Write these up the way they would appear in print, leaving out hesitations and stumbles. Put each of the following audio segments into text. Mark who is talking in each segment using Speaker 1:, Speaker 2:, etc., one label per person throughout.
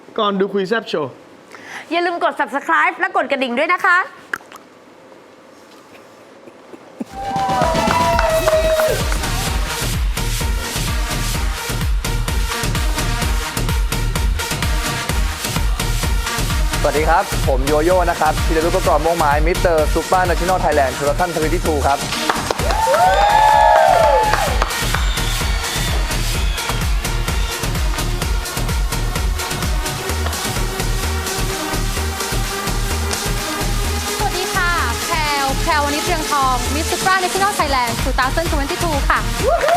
Speaker 1: ก่อนดูคุยแซบโชว์
Speaker 2: อย่าลืมกด subscribe และกดกระดิ่งด้วยนะคะ
Speaker 3: สวัสดีครับผมโยโย่นะครับธีรรุปประกอบม่วงไม้มิสเตอร์ซูเปอร์เนชั่นแนลไทยแลนด์ชูรัตน์22ครับ
Speaker 4: สวัสดีค่ะแพรววันนี้เพียงทองมิสซูเปอร์เนชั่นแนลไทยแลนด์2022ค่ะ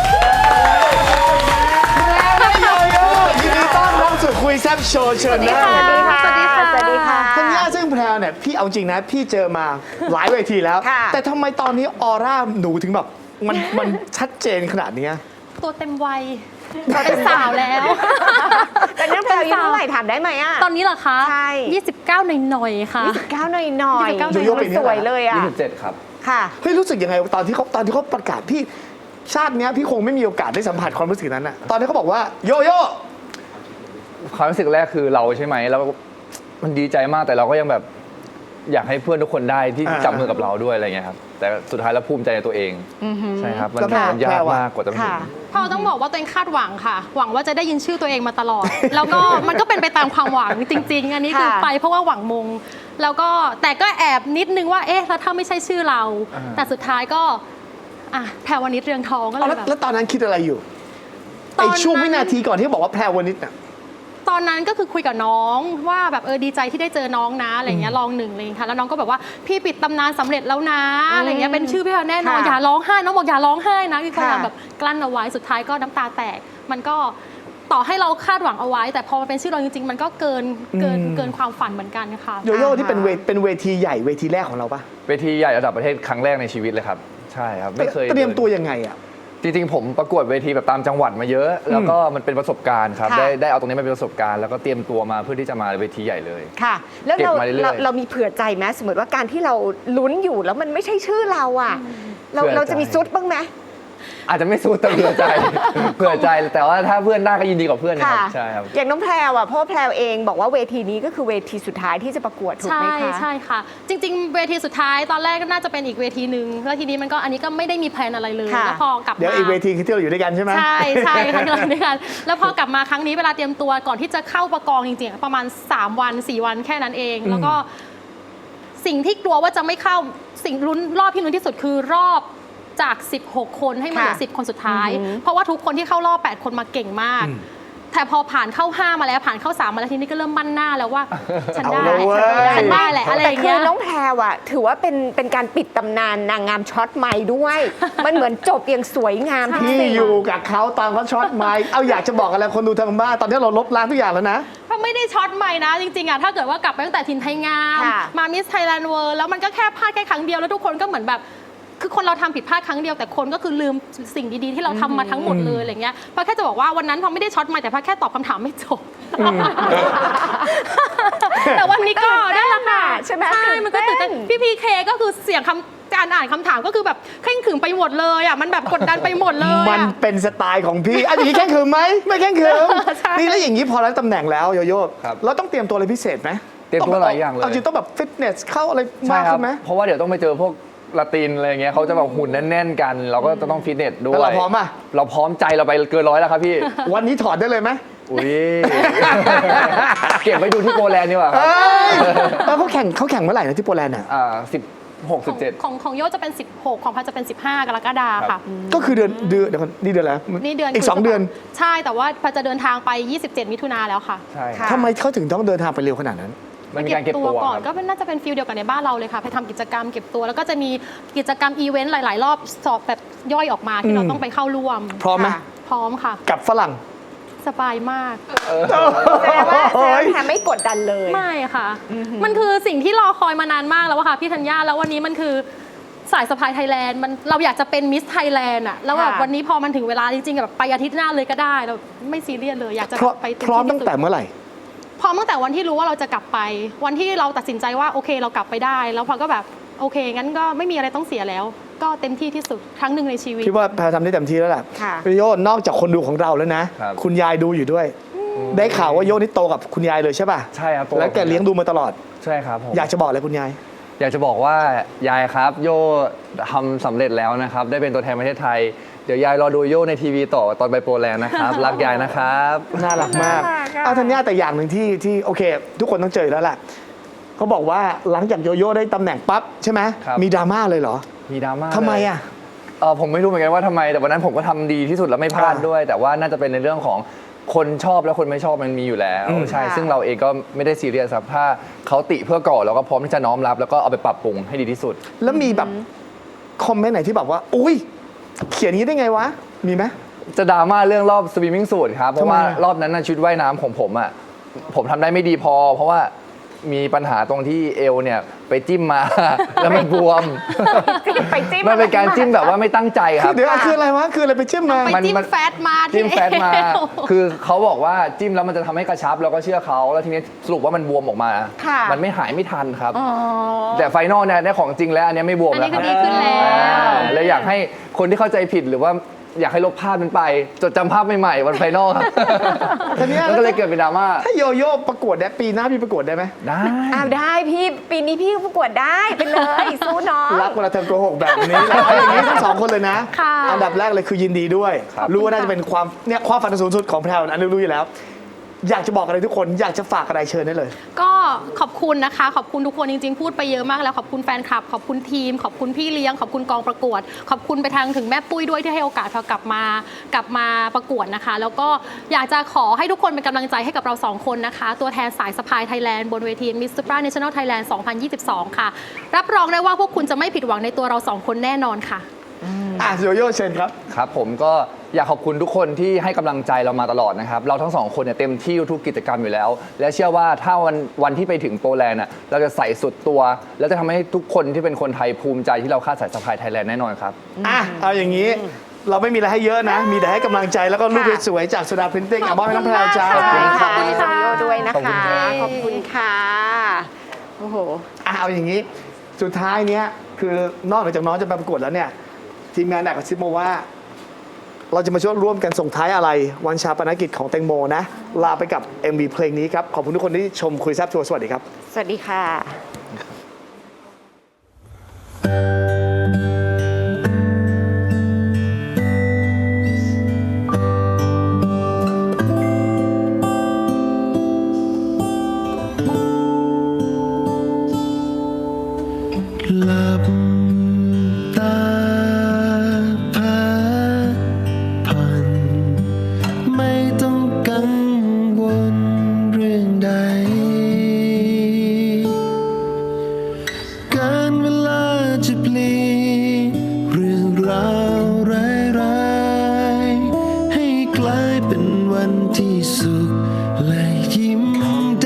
Speaker 1: โยโย่ยินดีต้อนรับสู่คุยแซบโชว์เชิญนะ
Speaker 2: สวัสดีค่ะสวัสดีค่ะ
Speaker 1: ธัญญาซึ่งแพรวเนี่ยพี่เอาจริงนะพี่เจอมาหลายเวทีแล้ว แต่ทำไมตอนนี้ออร่าหนูถึงแบบมันชัดเจนขนาดนี้
Speaker 4: ตัวเต็มวัยเป็นสาวแล้ว
Speaker 2: แต่น้องแพรวอายุเท่าไหร่ถามได้ไหมอ่ะ
Speaker 4: ตอนนี้เหรอคะ
Speaker 2: ใช่
Speaker 4: 29หน่อยๆค่ะ
Speaker 2: 29หน่อยๆ
Speaker 1: โยโย่ปีนี้
Speaker 2: สวยเลยอ่ะ
Speaker 3: 27ครับ
Speaker 2: ค่ะ
Speaker 1: เฮ้ยรู้สึกยังไงตอนที่เขาประกาศพี่ชาติเนี้ยพี่คงไม่มีโอกาสได้สัมผัสความรู้สึกนั้นอะตอนที่เขาบอกว่าโยโย่
Speaker 3: ความรู้สึกแรกคือเราใช่ไหมแล้วมันดีใจมากแต่เราก็ยังแบบอยากให้เพื่อนทุกคนได้ที่จับมือกับเราด้วยอะไรเงี้ยครับแต่สุดท้ายแล้วภูมิใจในตัวเองใช่ครับมันยากมากกว่าจะถึง
Speaker 4: พอต้องบอกว่าตัวเองคาดหวังค่ะหวังว่าจะได้ยินชื่อตัวเองมาตลอด แล้วก็มันก็เป็นไปตามความหวังจริงๆอันนี้คือไปเพราะว่าหวังมงแล้วก็แต่ก็แอบนิดนึงว่าเอ๊ะแล้วถ้าไม่ใช่ชื่อเราแต่สุดท้ายก็แพรวนิชเรืองทองก็เลยแบบ
Speaker 1: แล้วตอนนั้นคิดอะไรอยู่ไอ้ช่วงวินาทีก่อนที่บอกว่าแพรวนิชน่ะ
Speaker 4: ตอนนั้นก็คือคุยกับน้องว่าแบบดีใจที่ได้เจอน้องนะอะไรเงี้ยลองหนึ่งเลยค่ะแล้วน้องก็แบบว่าพี่ปิดตำนานสำเร็จแล้วนะอะไรเงี้ยเป็นชื่อพี่แน่นอนอย่าร้องไห้น้องบอกอย่าร้องไห้นะพี่พยายามแบบกลั้นเอาไว้สุดท้ายก็น้ำตาแตกมันก็ต่อให้เราคาดหวังเอาไว้ แต่พอมันเป็นชื่อเราจริงๆมันก็เกินความฝันเหมือนกันค่ะ
Speaker 1: โยโย่ที่เป็นเวทีใหญ่เวทีแรกของเราปะ
Speaker 3: เวทีใหญ่ระดับประเทศครั้งแรกในชีวิตเลยครับใช่ครับไม่เคย
Speaker 1: เตรียมตัวยังไงอ่ะ
Speaker 3: จริงๆผมประกวดเวทีแบบตามจังหวัดมาเยอะแล้วก็มันเป็นประสบการณ์ครับได้เอาตรงนี้มาเป็นประสบการณ์แล้วก็เตรียมตัวมาเพื่อที่จะมาเวทีใหญ่เลย
Speaker 2: ค่ะแล้วเรามีเผื่อใจไหมสมมติว่าการที่เราลุ้นอยู่แล้วมันไม่ใช่ชื่อเราอ่ะเราจะมีซุดบ้างไหม
Speaker 3: อาจจะไม่สู้แต่เผื่อใจแต่ว่าถ้าเพื่อนได้ก็ยินดีกับเพื่อนนะครับใช่ครับ
Speaker 2: อย่างน้องแพรวอ่ะพ่อแพรวเองบอกว่าเวทีนี้ก็คือเวทีสุดท้ายที่จะประกวดถูกไหมคะ
Speaker 4: ใช่ค่ะจริงๆเวทีสุดท้ายตอนแรกก็น่าจะเป็นอีกเวทีหนึ่งแล้วทีนี้มันก็อันนี้ก็ไม่ได้มีแพลนอะไรเลยแล้วพอกลับมา
Speaker 1: เดี๋ยวอีกเวทีคือที่เราอยู่ด้วยกันใช่ไหม
Speaker 4: ใช่ค่ะที่เราอยู่ด้วยกันแล้วพอกลับมาครั้งนี้เวลาเตรียมตัวก่อนที่จะเข้าประกองจริงๆประมาณ3 วัน 4 วันแค่นั้นเองแล้วก็สิ่งที่กลัวว่าจะไม่เข้าสิ่งลุ้นรอบที่ลุ้นที่สุดคือรอบจาก16 คนให้มาเหลือ10 คนสุดท้ายเพราะว่าทุกคนที่เข้ารอบ8 คนมาเก่งมากแต่พอผ่านเข้า5มาแล้วผ่านเข้า3มาแล้วทีนี้ก็เริ่มมั่นหน้าแล้วว่าฉันได้แหละอะไรอย่างเงี้ย
Speaker 2: แต่คือน้องแพรวอะถือว่าเป็นการปิดตำนานนางงามช็อตไมค์ด้วย มันเหมือนจบอย่างสวยงาม
Speaker 1: พี่อยู่กับเขาตอนเขาช็อตไมค์เอาอยากจะบอกอะไรคนดูทางบ้านตอนนี้เราลบล้างทุกอย่างแล้วนะ
Speaker 4: เพราะไม่ได้ช็อตไมค์นะจริงๆอะถ้าเกิดว่ากลับไปตั้งแต่ทินไทยงามมามิสไทยแลนด์เวิลด์แล้วมันก็แค่พลาดแค่ครั้งเดียวแล้วทุกคนก็เหมือนแบบคือคนเราทำผิดพลาดครั้งเดียวแต่คนก็คือลืมสิ่งดีๆที่เราทำมาทั้งหมดเลยอะไรเงี้ยเพราะแค่จะบอกว่าวันนั้นพอไม่ได้ช็อตมาแต่พอแค่ตอบคำถามไม่จบแต่วันนี้ก็ได้ละค่ะ
Speaker 2: ใช่ไหม
Speaker 4: ใช่มันก็ตื่นเต้นพี่พีเคก็คือเสียงการอ่านคำถามก็คือแบบเคร่งขรึมไปหมดเลยอ่ะมันแบบกดดันไปหมดเลย
Speaker 1: มันเป็นสไตล์ของพี่อันนี้แข่งขืมไหมไม่แข่งขืมนี่แล้วอย่างนี้พอแล้วตำแหน่งแล้วโยโย่เราต้องเตรียมตัวอะไรพิเศษไหม
Speaker 3: เตรียมตัวหลายอย่างเลย
Speaker 1: จริงต้องแบบฟิตเนสเข้าอะไรมากขึ้นไหม
Speaker 3: เพราะว่าเดี๋ยวต้องไปเจอพวกละตินอะไรเงี้ยเขาจะแบบหุ่นแน่นๆกันเราก็จะต้องฟิตเนสด้วย
Speaker 1: เราพร้อมอ่ะ
Speaker 3: เราพร้อมใจเราไปเกิน100แล้วครับพี่
Speaker 1: วันนี้ถอดได้เลยไหม
Speaker 3: อุ้ยเก็บไว้ดูที่โปแลนด์ดีกว่า
Speaker 1: แล้วเขาแข่งเมื่อไหร่นะที่โปแลนด์อ่ะ
Speaker 3: 16 17
Speaker 4: ของโยจะเป็น16ของพันจะเป็น15 กรกฎาคมค่ะ
Speaker 1: ก็คือเดือนนี่เดือนแล้ว
Speaker 4: นี่เดือน
Speaker 1: อีก2 เดือน
Speaker 4: ใช่แต่ว่าพันจะเดินทางไป27 มิถุนาแล้วค่ะ
Speaker 3: ใช่
Speaker 1: ทำไมเขาถึงต้องเดินทางไปเร็วขนาดนั้น
Speaker 3: มันมีการเก็บตัว
Speaker 4: ก่อนก็น่าจะเป็นฟิลเดียวกันในบ้านเราเลยค่ะไปทำกิจกรรมเก็บตัวแล้วก็จะมีกิจกรรมอีเวนต์หลายๆรอบสอบแบบย่อยออกมาที่เราต้องไปเข้าร่วม
Speaker 1: พร้อมไหม
Speaker 4: พร้อมค่ะ
Speaker 1: กับฝรั่ง
Speaker 4: สบายมาก
Speaker 2: แสดงว่าแพรไม่กดดันเลย
Speaker 4: ไม่ค่ะมันคือสิ่งที่รอคอยมานานมากแล้วค่ะพี่ธัญญาแล้ววันนี้มันคือสายสะพายไทยแลนด์เราอยากจะเป็นมิสไทยแลนด์อะแล้วแบบวันนี้พอมันถึงเวลาจริงๆแบบไปอาทิตย์หน้าเลยก็ได้เราไม่ซีเรียสเลยอยากจะ
Speaker 1: ไปพร้อมตั้งแต่เมื่อไหร่
Speaker 4: พร้อมตั้งแต่วันที่รู้ว่าเราจะกลับไปวันที่เราตัดสินใจว่าโอเคเรากลับไปได้แล้วพอก็แบบโอเคงั้นก็ไม่มีอะไรต้องเสียแล้วก็เต็มที่ที่สุดครั้งหนึ่งในชีวิต
Speaker 1: คิดว่าแพรทำได้เต็มที่แล้วแหละพี่โยนนอกจากคนดูของเราแล้วนะคุณยายดูอยู่ด้วยได้ข่าวว่าโยนี่โตกับคุณยายเลยใช่ป่ะ
Speaker 3: ใช่ครับ
Speaker 1: แล้วแกเลี้ยงดูมาตลอด
Speaker 3: ใช่ครับผม
Speaker 1: อยากจะบอกอะไรคุณยาย
Speaker 3: อยากจะบอกว่ายายครับโย่ทำสำเร็จแล้วนะครับ ได้เป็นตัวแทนประเทศไทย เดี๋ยวยายรอดูโย่ในทีวีต่อตอนไปโปแลนด์นะครับ รักยายนะครับ
Speaker 1: น่ารักมาก
Speaker 2: น่ารักอะ
Speaker 1: เอาธัญญาแต่อย่างหนึ่งที่โอเค ทุกคนต้องเจอแล้วแหละเขาบอกว่าหลังจากโยโย่ได้ตำแหน่งปั๊บใช่ไหม
Speaker 3: ครับ
Speaker 1: มีดราม่าเลยเหรอ
Speaker 3: มีดราม่า
Speaker 1: ทำไม
Speaker 3: เลย
Speaker 1: อ่ะ
Speaker 3: ผมไม่รู้เหมือนกันว่าทำไม แต่วันนั้นผมก็ทำดีที่สุดแล้วไม่พลาดด้วย แต่ว่าน่าจะเป็นในเรื่องของคนชอบและคนไม่ชอบมันมีอยู่แล้ว ใช่
Speaker 2: ค่ะ
Speaker 3: ซึ่งเราเองก็ไม่ได้ซีเรียสครับถ้าเขาติเพื่อก่อเราก็พร้อมที่จะน้อมรับ แล้วก็เอาไปปรับปรุงให้ดีที่สุด
Speaker 1: แล้วมีแบบคอมเมนต์ไหนที่แบบว่า อุ้ยเขียนนี้ได้ไงวะ มีไหม
Speaker 3: จะดราม่าเรื่องรอบสวิมมิ่งสูทครับ เพราะว่า
Speaker 1: ทำไมอะ
Speaker 3: รอบนั้นน่ะชุดว่ายน้ำของผมอ่ะผมทำได้ไม่ดีพอ เพราะว่ามีปัญหาตรงที่เอวเนี่ยไปจิ้มมา แล้วมันบวม
Speaker 2: ไปจิ้ม
Speaker 3: มันเป็นการจิ้มแบบว่าไม่ตั้งใจครับ
Speaker 1: เดี๋ยวคืออะไรวะ คืออะไรไปจิ้มมา
Speaker 4: ไปจิ้มแฟตมาที่
Speaker 3: จิ้มแฟตมา
Speaker 4: เอว
Speaker 3: คือเขาบอกว่าจิ้มแล้วมันจะทำให้กระชับเราก็เชื่อเขาแล้วทีนี้สรุปว่ามันบวมออกมา
Speaker 2: ค่ะ
Speaker 3: มันไม่หายไม่ทันครับ
Speaker 2: อ๋อ
Speaker 3: แต่ไฟนอลเนี่ยได้ของจริงแล้วอันเนี้ยไม่บวม
Speaker 4: อัน
Speaker 3: แล้
Speaker 4: นี้
Speaker 3: ว
Speaker 4: ก็ดีขึ้นแล้ว
Speaker 3: เลยอยากให้คนที่เข้าใจผิดหรือว่าอยากให้ลบภาพนั้นไป จดจำภาพใหม่ๆวันไฟนอลครับ
Speaker 1: ทีนี้
Speaker 3: มันก็เลยเกิดเป็นดราม่า
Speaker 1: ถ้าโยโย่ประกวดได้ปีหน้าพี่ประกวดได้ไหม
Speaker 3: ได้
Speaker 2: อ้าวได้พี่ปีนี้พี่ประกวดได้ไปเลยสู้น้อง
Speaker 1: รักเวลาเธอโกหกแบบนี้แล้วเอาอย่างนี้ทั้งสองคนเลยนะ
Speaker 4: ค่ะ
Speaker 1: อันดับแรกเลยคือยินดีด้วย
Speaker 3: ครับ
Speaker 1: รู้ว่าน่าจะเป็นความฝันสูงสุดของแพรวอันนี้รู้อยู่แล้ว อยากจะบอกอะไรทุกคนอยากจะฝากอะไรเชิญได้เลย
Speaker 4: ก็ขอบคุณนะคะ ขอบคุณทุกคนจริงๆ พูดไปเยอะมากแล้วขอบคุณแฟนคลับ ขอบคุณทีม ขอบคุณพี่เลี้ยง ขอบคุณกองประกวด ขอบคุณไปทางถึงแม่ปุ้ยด้วยที่ให้โอกาสเรากลับมาประกวดนะคะ แล้วก็อยากจะขอให้ทุกคนเป็นกำลังใจให้กับเราสองคนนะคะ ตัวแทนสายสะพายไทยแลนด์บนเวที Miss Supra National Thailand 2022 ค่ะ รับรองได้ว่าพวกคุณจะไม่ผิดหวังในตัวเราสองคนแน่นอนค่ะ
Speaker 1: โยโย่เชิญครับ
Speaker 3: ครับผมก็อยากขอบคุณทุกคนที่ให้กำลังใจเรามาตลอดนะครับ เราทั้งสองคนเนี่ยเต็มที่ทุกกิจกรรมอยู่แล้ว และเชื่อว่าถ้าวันที่ไปถึงโปแลนด์น่ะเราจะใส่สุดตัว แล้วจะทำให้ทุกคนที่เป็นคนไทยภูมิใจที่เราคาดสายสะพายไทยแลนด์แน่นอนครับ
Speaker 1: เอาอย่างนี้ เราไม่มีอะไรให้เยอะนะ มีแต่ให้กำลังใจแล้วก็รูปสวยๆจากสุดาพรินติ้งมอบให้น้องแพรวจ้า
Speaker 2: ขอบคุณค่ะ
Speaker 4: ขอบคุณค่ะ
Speaker 2: โยด้วยนะ
Speaker 3: ขอบคุ
Speaker 2: คะ
Speaker 3: ณครับ
Speaker 2: ขอบคุณค่ะ โอ้โห
Speaker 1: เอาอย่างนี้ สุดท้ายเนี้ยคือนอกเหนือจากน้องจะไปประกวดแล้วเนี่ย ทีมงานแอบกระซิบมาว่า เราจะมาช่วยร่วมกันส่งท้ายอะไร วันชาปนกิจของแตงโมนะ ลาไปกับ MV เพลงนี้ครับ ขอบคุณทุกคนที่ชมคุยแซ่บทัวร์สวัสดีครับ
Speaker 2: สวัสดีค่ะ
Speaker 5: หลับตาพักผ่อนไม่ต้องกังวลเรื่องใด การเวลาจะเปลี่ยนเรื่องราวร้ายๆให้กลายเป็นวันที่สุขและยิ้มได้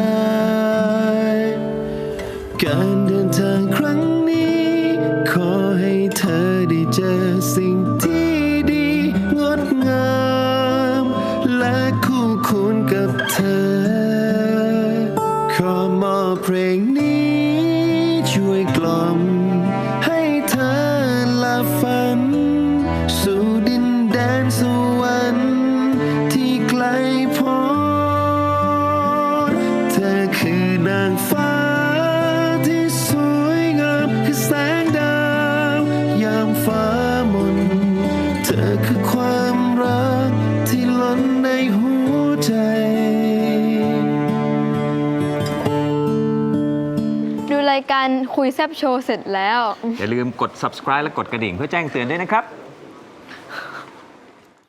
Speaker 5: การเดินทางครั้งนี้ ขอให้เธอได้เจอสิ่งที่ดีงดงามและคู่ควรกับเธอ ขอมอบเพลงนี้ช่วยกล่อมให้เธอหลับฝัน สู่ดินแดนสวรรค์ที่ไกลโพ้นเธอคือนางฟ้าที่สวยงามคือแสงดาวยามฟ้ามนเธอคือความรักที่ล้นในหัวใจ
Speaker 6: ดูรายการคุยแซบโชว์เสร็จแล้ว
Speaker 7: อย่าลืมกด subscribe และกดกระดิ่งเพื่อแจ้งเตือนด้วยนะครับ